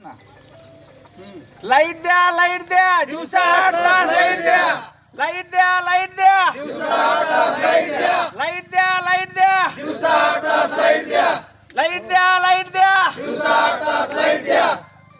Light द्या, light द्या, दिवसा 8 तास लाईट द्या, लाईट द्या, लाईट द्या, दिवसा 8 तास लाईट द्या, लाईट द्या, लाईट द्या, दिवसा 8 तास लाईट द्या, लाईट द्या, लाईट द्या, दिवसा 8 तास लाईट द्या.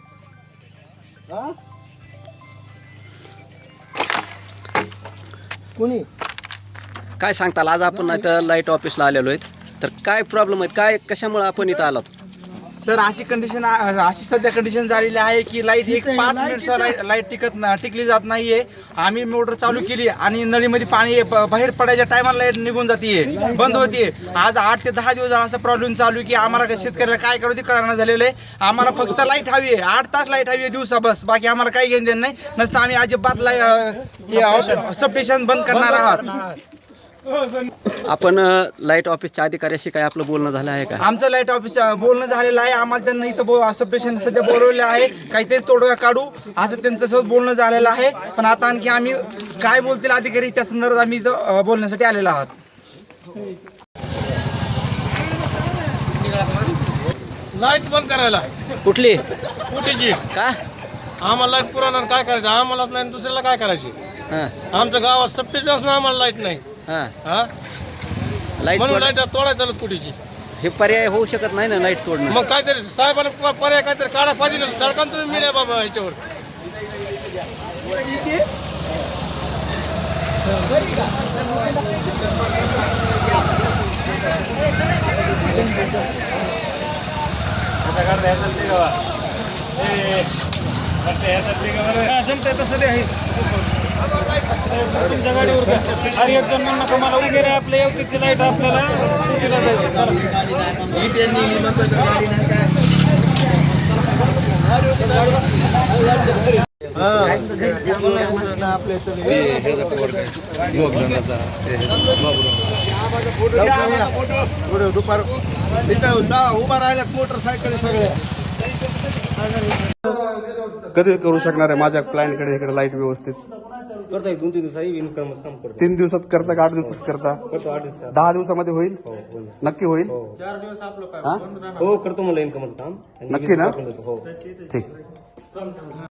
कोणी काय सांगताल? आज आपण इथं लाईट ऑफिसला आलेलो आहेत, तर काय प्रॉब्लेम आहेत, काय कशामुळे आपण इथं आलो? सर अशी सध्या कंडिशन झालेली आहे की लाईट एक 5 मिनिट लाईट टिकली जात नाहीये. आम्ही मोटर चालू केली आणि नळीमध्ये पाणी बाहेर पडायच्या टायमाला लाईट निघून जाते, बंद होते. आज 8 ते 10 दिवस झाला असा प्रॉब्लेम चालू की आम्हाला शेतकऱ्याला काय करू ते कळणार झालेलं आहे. आम्हाला फक्त लाईट हवी आहे, 8 तास लाईट हवी आहे दिवसा, बस. बाकी आम्हाला काही घेणं देणं नाही. नसतं आम्ही अजिबात सबस्टेशन बंद करणार आहात. आपण लाईट ऑफिसच्या अधिकाऱ्याशी काय आपलं बोलणं झालं आहे का? आमचं लाईट ऑफिस बोलणं झालेलं आहे. आम्हाला त्यांना इथं सबस्टेशन सध्या बोलवलेलं आहे, काहीतरी तोडगा काढू असं त्यांच्यासोबत बोलणं झालेलं आहे. पण आता आणखी आम्ही काय बोलतील अधिकारी त्या संदर्भात आम्ही इथं बोलण्यासाठी आलेलो आहात. लाईट बंद करायला कुठली? कुठेची का? आम्हाला लाईट पुरवणार, काय करायचं आम्हालाच नाही, दुसऱ्याला काय करायची? हां आमच्या गावात सप्टेशन असून आम्हाला लाईट नाही. हां हा लाईट म्हणून लाईट तोडायला चालत कुठेची. हे पर्याय होऊ शकत नाही ना लाईट तोडणं? मग काहीतरी साहेबांना पर्याय काहीतरी काढा पाहिजे. सरकार तुम्ही मिळा बाबा ह्याच्यावर. जमतंय तसं आहे तुमच्या गाडीवर. अरे एक जण म्हणणं तुम्हाला वगैरे आपल्या एवढीची लाईट आपल्याला कुठेला जायचं. दुपार उभा राहिला मोटरसायकल सगळ्या कधी करू शकणार आहे माझ्या क्लायंटकडे इकडे लाईट व्यवस्थित? करता 2-3 दिवसांनी इन्कम काम करतो. 3 दिवसात करता का 8 दिवसात करता? 10 दिवसामध्ये होईल? नक्की होईल? 4 दिवस आपलं काय हो करतो मला इन्कमचं काम. नक्की ना? हो ठीक.